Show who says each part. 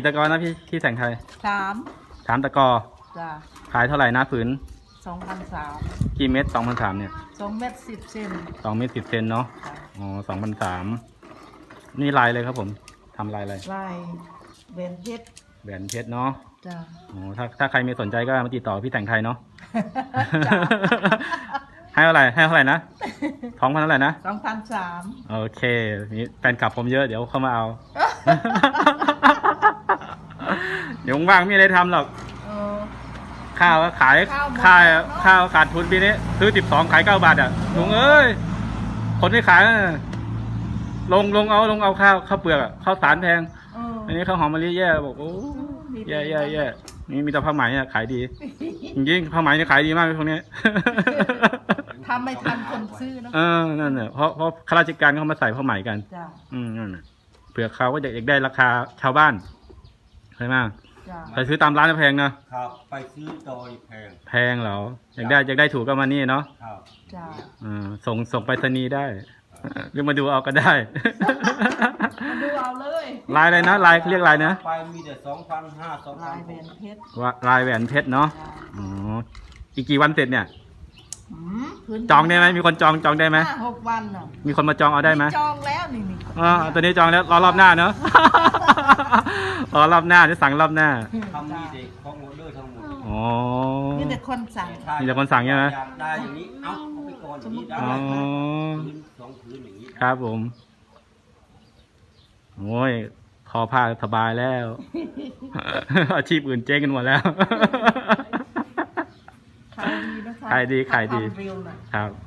Speaker 1: ตะกอนะพี่แสงไทย
Speaker 2: 3
Speaker 1: 3 ตะกอ
Speaker 2: จ้ะ
Speaker 1: ขายเท่าไหร่นะผืน
Speaker 2: 2,300
Speaker 1: กี่เม็ด2,300เนี่ย
Speaker 2: 2 เม็ด 10 เซน
Speaker 1: 2 เม็ด10 เซนเนาะ
Speaker 2: จ้ะ
Speaker 1: อ๋อ2,300นี่ลายเลยครับผมทำลายอะไร
Speaker 2: ลายเบนเพชร
Speaker 1: แหวนเพชรเนาะ
Speaker 2: จ้ะ
Speaker 1: อ๋อถ้าใครมีสนใจก็มาติดต่อพี่แสงไทยเนาะ
Speaker 2: จ้ะ
Speaker 1: ให้เท่าไหร่นะ2,000เท่าไหร่นะ
Speaker 2: 2,300
Speaker 1: โอเคนี่แฟนคลับผมเยอะเดี๋ยวเข้ามาเอา เดี๋ยวว่างๆไม่มีอะไรทำหรอก
Speaker 2: เออ
Speaker 1: ข้าวก็ขาย
Speaker 2: ข้าวหมด
Speaker 1: ข้าว
Speaker 2: แล้วเนอะ
Speaker 1: ข้าวขาดทุนปีนี้ซื้อ12ขาย9 บาทอ่ะลุงเอ้ยคนที่ขายน่ะลงเอาข้าวเปลือกอะข้าวสารแพง
Speaker 2: เออ
Speaker 1: อันนี้ข้าวหอมมะลิแย่บอกโอ้
Speaker 2: มี
Speaker 1: แย่นี่มีแต่ผ้าไหมอะขายดีจริงๆผ้าไหมนี่ขายดีมากเลยพวกนี้
Speaker 2: ทำไม่ทันคนซื้อเนอะ
Speaker 1: นั่นน่ะเพราะข้าราชการเขามาใส่ผ้าไหมกัน
Speaker 2: จ้ะ
Speaker 1: นั่นน่ะเผื่อเขาก็อยากได้ราคาชาวบ้านใช่ไหม
Speaker 2: จ้ะ
Speaker 1: ไปซื้อตามร้านแพงนะครับ
Speaker 3: ไปซื้อโดยแพง
Speaker 1: แพงเหรออยากได้ถูกก็มานี่เนาะ
Speaker 3: ครับ
Speaker 2: จ้ะ
Speaker 1: ส่งไปรษณีย์ได้ หรือมาดูเอาก็ได้
Speaker 2: มาดูเอาเลย
Speaker 1: ลายอะไรนะลายเรียกลายนะ
Speaker 3: ไปมีแต่2,500
Speaker 2: ลายเบน
Speaker 3: 2,600
Speaker 2: เพชร
Speaker 1: ลายแหวนเพชรเนาะ
Speaker 2: จ้ะ
Speaker 1: อ๋ออีกกี่วันเสร็จเนี่ย
Speaker 2: พื้น
Speaker 1: จองได้ไหมมีคนจองได้ไหม
Speaker 2: 5-6 วันน่ะ
Speaker 1: มีคนมาจองเอาได้ไหม
Speaker 2: จองแล้วนี่
Speaker 1: ตัวนี้จองแล้วรอรอบหน้าเนาะ รอรอบหน้าจะสั่งรอบหน้า
Speaker 3: ทำมีเด็กของออเดอร์ทั้งหมด
Speaker 1: อ๋อ
Speaker 2: นี่แต่คนสั่ง
Speaker 1: มีแต่คนสั่งใช่ไหม
Speaker 3: อยากได้อย่างนี้เอาไปก่อนอย่างนี้ได้
Speaker 1: อ๋อ
Speaker 3: พื้น2 พื้นอย่างนี้
Speaker 1: ครับผมโอ้ยทอผ้าสบายแล้ว อาชีพอื่นเจ๊งกันหมดแล้ว
Speaker 2: ขายดีนะคะ
Speaker 1: ขายดี
Speaker 2: ทำเร็วน่ะ
Speaker 1: ครับ